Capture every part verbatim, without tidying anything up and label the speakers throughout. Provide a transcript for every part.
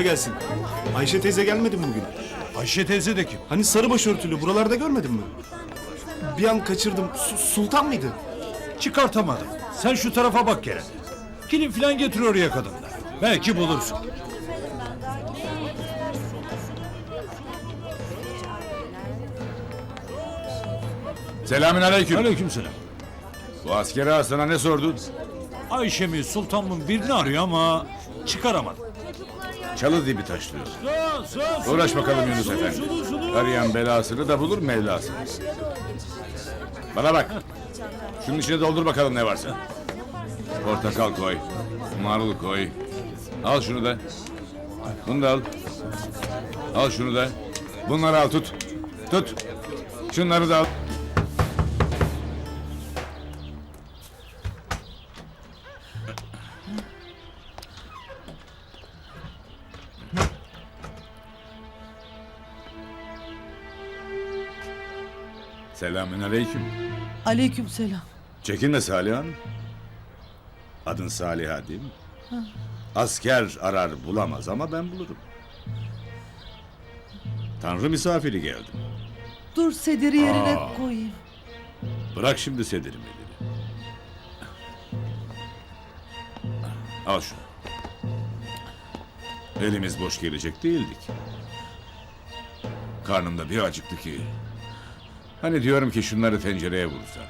Speaker 1: Kolay gelsin. Ayşe teyze gelmedi mi bugün?
Speaker 2: Ayşe teyze de kim?
Speaker 1: Hani sarı başörtülü buralarda görmedin mi? Bir an kaçırdım. Su- Sultan mıydı?
Speaker 2: Çıkartamadım. Sen şu tarafa bak Kerem. Kilim falan getir oraya kadınlar. Belki bulursun.
Speaker 3: Selamünaleyküm.
Speaker 2: Aleykümselam.
Speaker 3: Bu askeri ağa sana ne sordu?
Speaker 2: Ayşe mi Sultan mı birini arıyor ama çıkaramadım.
Speaker 3: Çalı dibi taşlıyor.
Speaker 2: Sus, sus,
Speaker 3: Uğraş bakalım Yunus Efendi. Arayan belasını da bulur Mevlasını. Bana bak. Şunun içine doldur bakalım ne varsa. Portakal koy. Marul koy. Al şunu da. Bunu da al. Al şunu da. Bunları al tut. Tut. Şunları da al. Selamünaleyküm.
Speaker 4: Aleykümselam.
Speaker 3: Çekinme Saliha. Adın Saliha değil mi? Asker arar bulamaz ama ben bulurum. Tanrı misafiri geldim.
Speaker 4: Dur sediri yerine
Speaker 3: Aa.
Speaker 4: koyayım.
Speaker 3: Bırak şimdi sedirim elini. Al şunu. Elimiz boş gelecek değildik. Karnımda bir acıktı ki. Hani diyorum ki şunları tencereye vursan.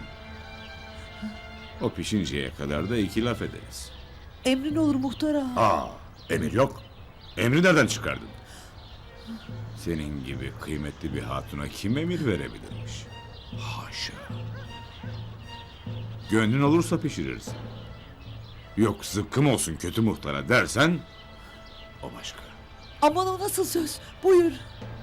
Speaker 3: O pişinceye kadar da iki laf ederiz.
Speaker 4: Emrin olur muhtar ağa.
Speaker 3: Aa, emir yok. Emri nereden çıkardın? Senin gibi kıymetli bir hatuna kim emir verebilirmiş? Haşa. Gönlün olursa pişirirsin. Yok zıkkım olsun kötü muhtara dersen o başka.
Speaker 4: Aman o nasıl söz? Buyur.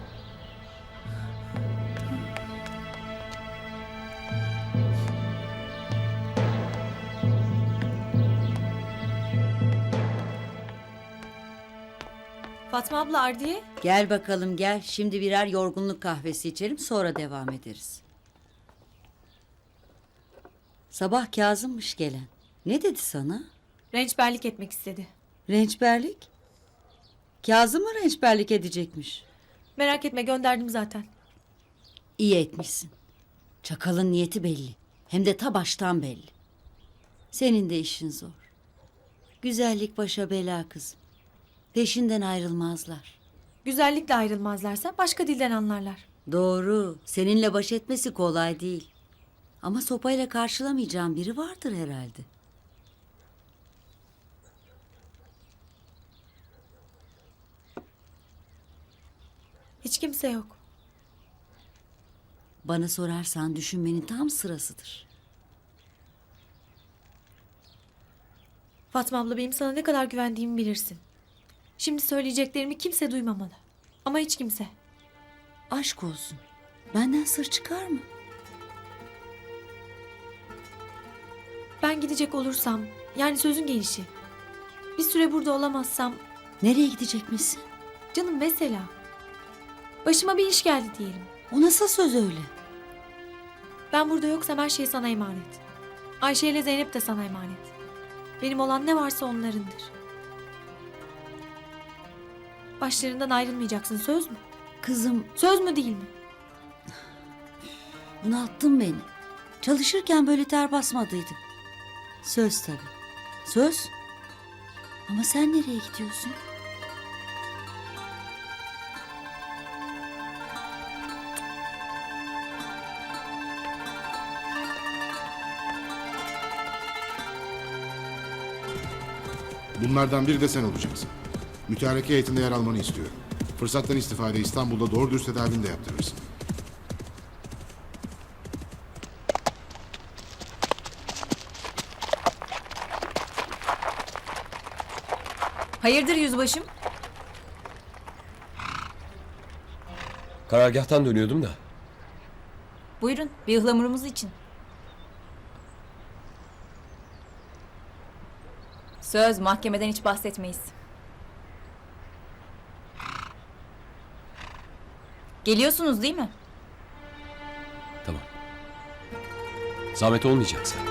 Speaker 5: Fatma abla Ardiye.
Speaker 6: Gel bakalım gel. Şimdi birer yorgunluk kahvesi içelim sonra devam ederiz. Sabah Kazım'mış gelen. Ne dedi sana?
Speaker 5: Rençberlik etmek istedi.
Speaker 6: Rençberlik? Kazım mı rençberlik edecekmiş?
Speaker 5: Merak etme gönderdim zaten.
Speaker 6: İyi etmişsin. Çakalın niyeti belli. Hem de ta baştan belli. Senin de işin zor. Güzellik başa bela kızım. Peşinden ayrılmazlar.
Speaker 5: Güzellikle ayrılmazlarsa başka dilden anlarlar.
Speaker 6: Doğru. Seninle baş etmesi kolay değil. Ama sopayla karşılamayacağın biri vardır herhalde.
Speaker 5: Hiç kimse yok.
Speaker 6: Bana sorarsan düşünmenin tam sırasıdır.
Speaker 5: Fatma abla benim sana ne kadar güvendiğimi bilirsin. Şimdi söyleyeceklerimi kimse duymamalı. Ama hiç kimse.
Speaker 6: Aşk olsun. Benden sır çıkar mı?
Speaker 5: Ben gidecek olursam, yani sözün gelişi. Bir süre burada olamazsam,
Speaker 6: Nereye gidecekmişsin?
Speaker 5: canım mesela. Başıma bir iş geldi diyelim.
Speaker 6: O nasıl söz öyle?
Speaker 5: Ben burada yoksam her şey sana emanet. Ayşe ile Zeynep de sana emanet. Benim olan ne varsa onlarındır. Başlarından ayrılmayacaksın, söz mü?
Speaker 6: Kızım,
Speaker 5: Söz mü değil mi?
Speaker 6: bunalttın beni. Çalışırken böyle ter basmadıydım. Söz tabii. Söz. Ama sen nereye gidiyorsun?
Speaker 7: Bunlardan biri de sen olacaksın. Mütareke heyetinde yer almanı istiyorum. Fırsattan istifade İstanbul'da doğru dürüst tedavini de yaptırırsın.
Speaker 5: Hayırdır yüzbaşım?
Speaker 8: Karargâhtan dönüyordum da.
Speaker 5: Buyurun, bir ıhlamurumuz için.
Speaker 9: Söz, mahkemeden hiç bahsetmeyiz. Geliyorsunuz değil mi?
Speaker 8: Tamam. Zahmet olmayacaksa.